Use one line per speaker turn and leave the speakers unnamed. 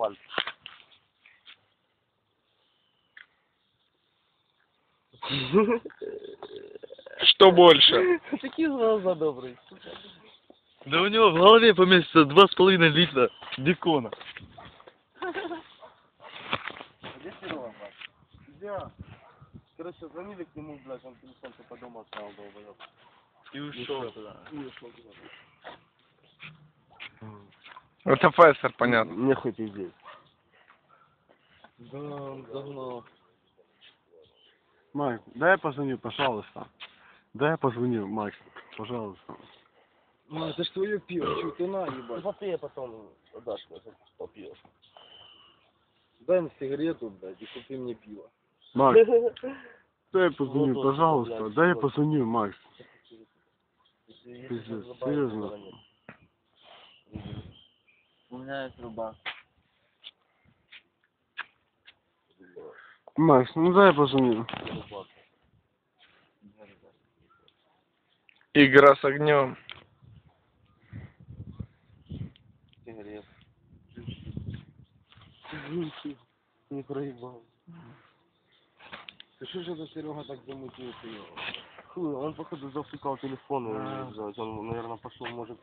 асфальт.
Что больше?
Такие глаза добрые.
Да у него в голове поместится 2,5 литра бекона.
Где Серега, блядь? Где? Короче, звонили к нему, блядь, он телефон по дому оставил, долбоёб.
И ушел туда.
Ушел туда.
Это Фессер, понятно.
Мне хоть и здесь. Да, он загнал.
Макс, дай я позвоню, пожалуйста. Дай я позвоню, Макс, пожалуйста.
Ну, это ж твое пиво, что ты на, ебать. Ты попей, а потом отдашь мне, попьешь. Дай мне сигарету, блядь, и купи мне пиво.
Макс, дай я позвоню,
Вот,
пожалуйста.
блядь,
Дай я
вот.
позвоню, Макс.
Если
Пиздец,
забавить,
серьезно.
то нет. У меня есть труба.
Макс, ну дай я позвоню.
Игра с огнем.
Сигарет. Не проебал. Ты что же это Серега так замутился? Хуй, он походу засукал телефон и, блядь, он, наверное, пошел, может,